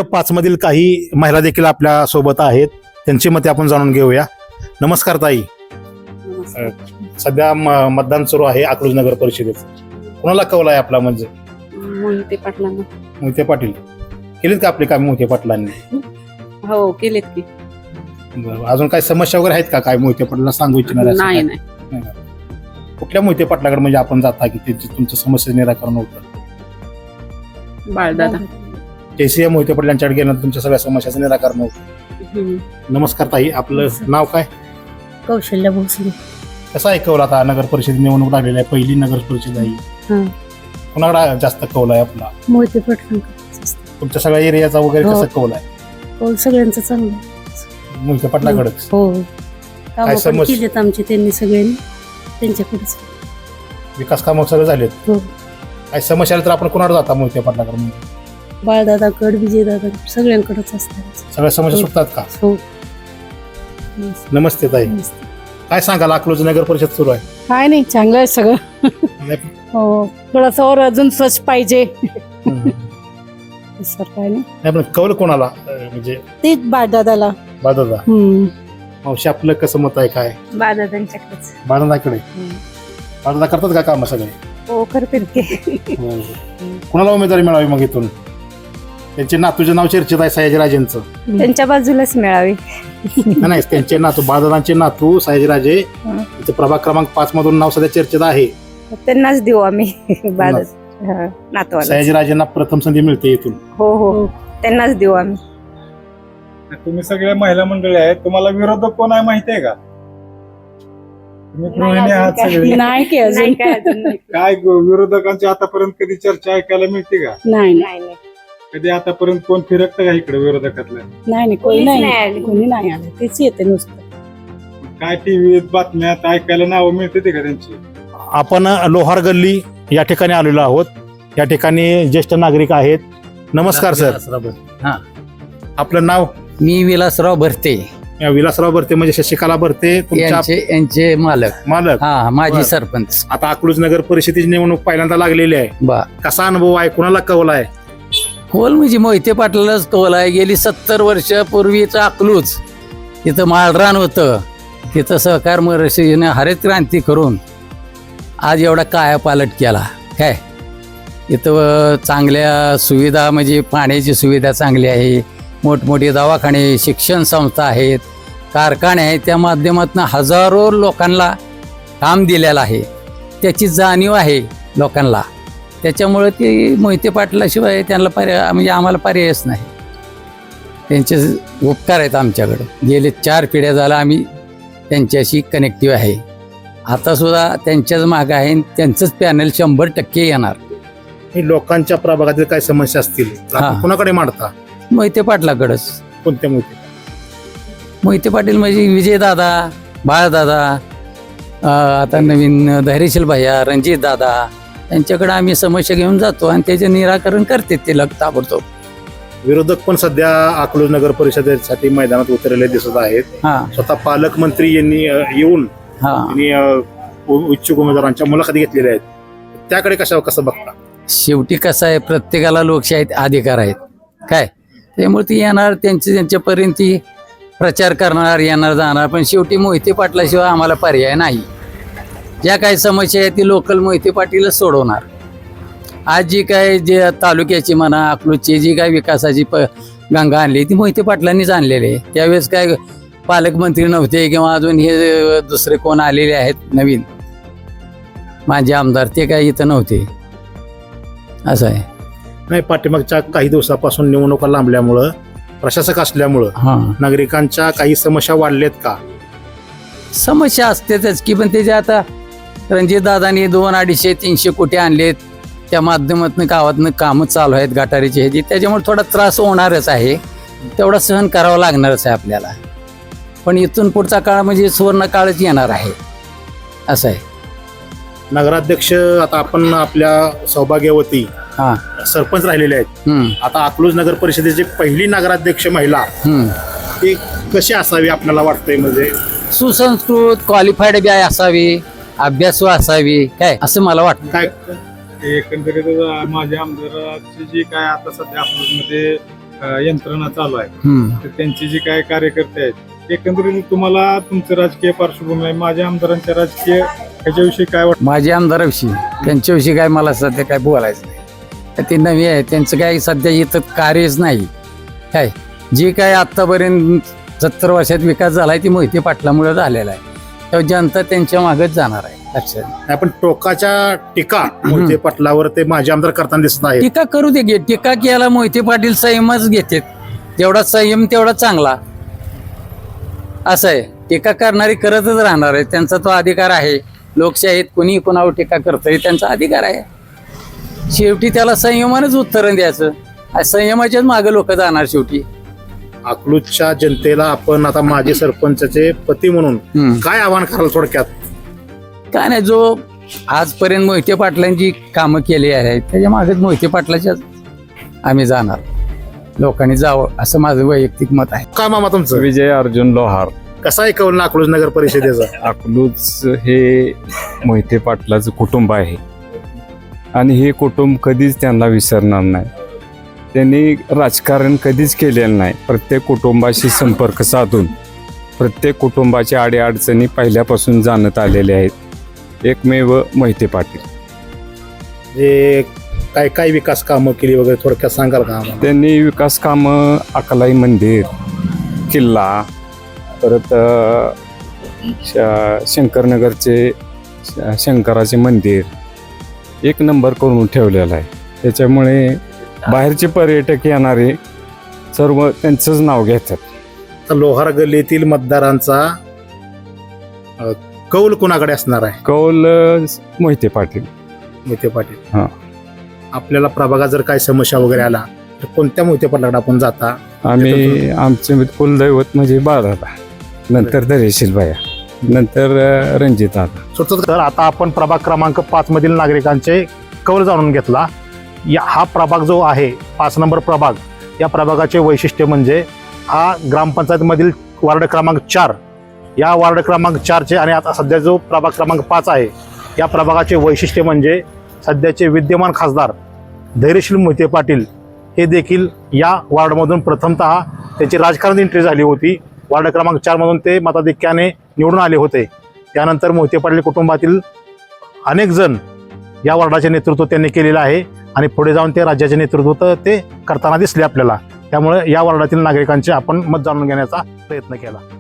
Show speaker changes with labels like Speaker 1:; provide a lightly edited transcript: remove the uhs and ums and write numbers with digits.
Speaker 1: 5 मधील काही महिला देखील आपल्या सोबत आहेत, त्यांची मते आपण जाणून घेऊया. नमस्कार ताई. सध्या मतदान सुरू आहे अकलूज नगर परिषदेचं. कोणाला कौल आहे आपला? म्हणजे
Speaker 2: मोहिते पाटलांना.
Speaker 1: मोहिते पाटील केलीत का आपली काम मोहिते पाटलांनी?
Speaker 2: हो केलेत की.
Speaker 1: बरं. अजून काही समस्या वगैरे आहेत का काय मोहिते पाटलांना सांगू इच्छिणार?
Speaker 2: नाही.
Speaker 1: कुठल्या मोहिते पाटलाकडे म्हणजे आपण जाता की त्यांची तुमच्या समस्या निराकरण होतं?
Speaker 2: बाळदादा.
Speaker 1: केसीए मोहिते पाटील यांच्याकडे गेल्यानंतर तुमच्या सगळ्या समस्याचं निराकरण होतं. नमस्कार ताई, आपलं नाव काय?
Speaker 3: कौशल्य भोसले.
Speaker 1: कसं आहे कौल? आता नगर परिषद निवडणूक लागलेली आहे, पहिली नगर परिषद आहे. कोणाकडे जास्त कौल आहे आपला?
Speaker 3: मोहिते पाटील.
Speaker 1: तुमच्या सगळ्या एरियाचा वगैरे
Speaker 3: हो.
Speaker 1: कसं कौल आहे?
Speaker 3: कौल सगळ्यांचं चांगलं.
Speaker 1: मोहिते पाटलाकडेच.
Speaker 3: हो,
Speaker 1: काय
Speaker 3: कामं पण
Speaker 1: समस्या?
Speaker 3: केलेत आमचे त्यांनी सगळ्यांनी, त्यांच्याकडेच.
Speaker 1: विकास कामं सगळे झालेत.
Speaker 3: हो.
Speaker 1: काय समस्या आली तर आपण कोणाकडे जाता मोहिते पाटलाकडे?
Speaker 3: बाळदादाकड, विजयदादा, सगळ्यांकडेच असतात.
Speaker 1: सगळ्या समस्या
Speaker 3: हो.
Speaker 1: सुटतात का?
Speaker 3: हो.
Speaker 1: नमस्ते ताई, काय सांगाल? अकलूज नगर परिषद सुरू आहे.
Speaker 4: काय नाही, चांगलं आहे सगळं. हो, थोडंसं और अजून स्वच्छ पाहिजे. सर काय नाही,
Speaker 1: नाही पण कौल कोणाला म्हणजे?
Speaker 4: तेच बाळदादाला.
Speaker 1: बाळदादा. मावशी आपलं कसं मत आहे? काय
Speaker 2: बाळदादांच्याकडेच.
Speaker 1: बाळदादाकडे? बाळदादा करतात का काम सगळे?
Speaker 4: हो, करते की.
Speaker 1: कुणाला उमेदवारी मिळावी मग इथून? त्यांचे नातूचे नाव चर्चेत आहे, सयाजीराजेंचं.
Speaker 2: त्यांच्या बाजूलाच मिळावी.
Speaker 1: नाही, त्यांचे नातू, बाळदादांचे नातू सयाजीराजे, त्यांचं प्रभाग क्रमांक 5 मधून नाव सध्या चर्चेत आहे.
Speaker 2: त्यांनाच देऊ आम्ही नातवाला.
Speaker 1: सयाजीराजेंना प्रथम संधी मिळते इथून.
Speaker 2: हो, त्यांनाच देऊ आम्ही.
Speaker 5: तुम्ही सगळ्या महिला मंडळी आहेत, तुम्हाला विरोधक कोण आहे माहिती आहे का? तुम्ही गृहिणी आहात सगळे.
Speaker 4: नाही की अजून.
Speaker 5: काय विरोधकांची आतापर्यंत कधी चर्चा ऐकायला मिळते का?
Speaker 4: नाही,
Speaker 5: कधी आतापर्यंत कोण फिरकतं का इकडे विरोधकातलं?
Speaker 4: कोणी
Speaker 2: कोणीच नाही
Speaker 4: नाही,
Speaker 2: आलं.
Speaker 4: कोणी नाही आलं. तेच येते नुसतं.
Speaker 5: काय टीव्हीत बातम्यात ऐकायला नावं मिळते ते का त्यांची?
Speaker 1: आपण लोहार गल्ली या ठिकाणी आलेलो आहोत. या ठिकाणी ज्येष्ठ नागरिक आहेत. नमस्कार सर.
Speaker 6: हा.
Speaker 1: आपलं नाव?
Speaker 6: मी विलासराव भरते,
Speaker 1: विलासराव भरते, म्हणजे शशिकला भरते तुमच्या
Speaker 6: यांचे मालक.
Speaker 1: मालक.
Speaker 6: हा, माजी
Speaker 1: बरं.
Speaker 6: सरपंच.
Speaker 1: आता अकलूज नगर परिषदेची निवडणूक पहिल्यांदा लागलेली आहे.
Speaker 6: बा
Speaker 1: कसा अनुभव आहे? कुणाला कौल आहे?
Speaker 6: खोल म्हणजे मोहिते पाटलालाच कौल आहे. गेली 70 वर्षापूर्वीचं अकलूज, तिथं माळरान होतं, तिथं सहकार महर्षीने हरित क्रांती करून आज एवढा कायापालट केला. काय इथं चांगल्या सुविधा, म्हणजे पाण्याची सुविधा चांगली आहे, मोठमोठे दवाखाने, शिक्षण संस्था आहेत, कारखाने आहेत. त्या माध्यमातून हजारो लोकांना काम दिलेलं आहे. त्याची जाणीव आहे लोकांना. त्याच्यामुळे ते मोहिते पाटलाशिवाय त्यांना पर्याय, म्हणजे आम्हाला पर्यायच नाही. त्यांचे उपकार आहेत आमच्याकडे. गेले 4 पिढ्या झाला आम्ही त्यांच्याशी कनेक्टिव्ह आहे. आता सुद्धा त्यांच्याच मागं आहे. त्यांचंच पॅनल 100% येणार.
Speaker 1: हे लोकांच्या प्रभागातील काय समस्या असतील तर आपण
Speaker 6: हा.
Speaker 1: कोणाकडे मांडता?
Speaker 6: मोहिते पाटलाकडंच.
Speaker 1: कोणत्या मोहिते?
Speaker 6: मोहिते पाटील म्हणजे विजयदादा, बाळदादा, आता नवीन धैर्यशील भैया, रणजित दादा, यांच्याकडे आम्ही समस्या घेऊन जातो आणि त्याचे निराकरण करते ते ताबडतोब.
Speaker 1: विरोधक पण सध्या अकलूज नगर परिषदेसाठी मैदानात उतरलेले दिसत आहेत.
Speaker 6: हा
Speaker 1: स्वतः पालकमंत्री यांनी येऊन
Speaker 6: हा
Speaker 1: इच्छुक उमेदवारांच्या मुलाखती घेतलेल्या आहेत. त्याकडे कसं बघता?
Speaker 6: शेवटी कसं आहे, प्रत्येकाला लोकशाहीत अधिकार आहेत. काय त्यामुळे ती येणार, त्यांच्यापर्यंत ती प्रचार करणार, येणार जाणार. पण शेवटी मोहिते पाटलाशिवाय आम्हाला पर्याय नाही. ज्या काही समस्या आहेत ती लोकल मोहिते पाटीलच सोडवणार. आज जी काय जे तालुक्याची म्हणा, अकलूजची जी काय विकासाची गंगा आणली ती मोहिते पाटलांनीच आणलेली आहे. त्यावेळेस काय पालकमंत्री नव्हते किंवा अजून हे दुसरे कोण आलेले आहेत नवीन माझे आमदार, ते काय इथं नव्हते. असं आहे.
Speaker 1: नाही, पाठीमागच्या काही दिवसापासून निवडणुका लांबल्यामुळं, प्रशासक असल्यामुळं
Speaker 6: हां,
Speaker 1: नागरिकांच्या काही समस्या वाढल्यात का?
Speaker 6: समस्या असतेच की, पण त्याच्या आता रणजितदादांनी 200-250-300 कोटी आणलेत. त्या माध्यमातून गावातनं कामं चालू आहेत गटारीची ह्याची. त्याच्यामुळे थोडा त्रास होणारच आहे, तेवढा सहन करावा लागणारच आहे आपल्याला. पण इथून पुढचा काळ म्हणजे सुवर्ण काळच येणार आहे. असं आहे.
Speaker 1: नगराध्यक्ष आता आपण आपल्या सौभाग्यवती
Speaker 6: हां.
Speaker 1: सरपंच राहिलेले आहेत.
Speaker 6: हम्म.
Speaker 1: आता अकलूज नगर परिषदेची पहिली नगराध्यक्ष महिला,
Speaker 6: हम्म.
Speaker 1: ती कशी असावी आपल्याला वाटतंय? म्हणजे
Speaker 6: सुसंस्कृत, क्वालिफाईड बी असावी, अभ्यासू असावी, काय असं मला वाटतं.
Speaker 1: काय
Speaker 5: एकंदरीत माझ्या आमदाराची जी काय आता सध्या अकलूजमध्ये यंत्रणा चालू आहे
Speaker 6: हम्म.
Speaker 5: तर त्यांची जी काय कार्यकर्ते आहेत एकंदरीत तुम्हाला तुमचं राजकीय पार्श्वभूमी आहे माझ्या आमदारांच्या राजकीय ह्याच्याविषयी काय वाटतं?
Speaker 6: माझ्या आमदाराविषयी त्यांच्याविषयी काय मला सध्या काय बोलायचं नाही. ते नवी आहे, त्यांचं काय सध्या इथं कार्यच नाही. काय जे काय आत्तापर्यंत 70 वर्षात विकास झालाय ती मोहिते पाटलामुळे झालेला आहे. तेव्हा जनता त्यांच्या मागच जाणार आहे. लक्षात
Speaker 1: आपण टोकाच्या टीका मोहिते पाटलावर ते माझे आमदार करताना दिसत आहे.
Speaker 6: टीका करू दे गे, टीका केला मोहिते पाटील संयमच घेतात. जेवढा संयम तेवढा चांगला असं आहे. टीका करणारी करतच राहणार आहे, त्यांचा तो अधिकार आहे. लोकशाहीत कोणी कोणावर टीका करतंय त्यांचा अधिकार आहे. शेवटी त्याला संयमानच उत्तरण द्यायचं. संयमाच्याच मागे लोक जाणार शेवटी.
Speaker 1: अकलूजच्या जनतेला आपण आता माजी सरपंचाचे पती म्हणून काय आव्हान कराल थोडक्यात?
Speaker 6: काय नाही, जो आजपर्यंत मोहिते पाटलांची कामं केली आहेत त्याच्या मागेच मोहिते पाटलाच्याच आम्ही जाणार. लोकांनी जावं असं माझं वैयक्तिक मत आहे.
Speaker 1: काय मामा तुमचं?
Speaker 7: विजय अर्जुन लोहार.
Speaker 1: कसा आहे कौल अकलूज नगर परिषदेचा?
Speaker 7: अकलूज हे मोहिते पाटलाचं कुटुंब आहे आणि हे कुटुंब कधीच त्यांना विसरणार नाही. त्यांनी राजकारण कधीच केलेलं नाही. प्रत्येक कुटुंबाशी संपर्क साधून प्रत्येक कुटुंबाच्या अडीअडचणी पहिल्यापासून जाणत आलेले आहेत. एकमेव मोहिते पाटील.
Speaker 1: जे काय काय विकास कामं केली वगैरे थोडक्यात सांगाल का आम्हाला?
Speaker 7: त्यांनी विकास कामं अकलाई मंदिर, किल्ला, परत शंकरनगरचे शंकराचे मंदिर एक नंबर करून ठेवलेलं आहे. त्याच्यामुळे बाहेरचे पर्यटक येणारे सर्व त्यांचंच नाव घेतात.
Speaker 1: तर लोहार गल्लीतील मतदारांचा कौल कोणाकडे असणार आहे?
Speaker 7: कौल मोहिते पाटील.
Speaker 1: मोहिते पाटील.
Speaker 7: हा.
Speaker 1: आपल्याला प्रभागात जर काही समस्या वगैरे आला तर कोणत्या मोहिते पाटलाकडे आपण जाता?
Speaker 7: आम्ही आमचे कुलदैवत म्हणजे बाळदादा, नंतर धैर्यशील बाया, नंतर रणजित दादा.
Speaker 1: तर आता आपण प्रभाग क्रमांक 5 मधील नागरिकांचे कौल जाणून घेतला. हा प्रभाग जो आहे 5 नंबर प्रभाग, या प्रभागाचे वैशिष्ट्य म्हणजे हा ग्रामपंचायतमधील वार्ड क्रमांक 4, या वार्ड क्रमांक 4चे आणि आता सध्या जो प्रभाग क्रमांक 5 आहे या प्रभागाचे वैशिष्ट्य म्हणजे सध्याचे विद्यमान खासदार धैर्यशील मोहिते पाटील हे देखील या वार्डमधून प्रथमतः त्याची राजकारण एंट्री झाली होती. वार्ड क्रमांक 4 मधून ते मताधिक्याने निवडून आले होते. त्यानंतर मोहिते पाटील कुटुंबातील अनेक जण या वार्डाचे नेतृत्व त्यांनी केलेलं आहे आणि पुढे जाऊन ते राज्याचे नेतृत्व ते करताना दिसले आपल्याला. त्यामुळे या वार्डातील नागरिकांचे आपण मत जाणून घेण्याचा प्रयत्न केला.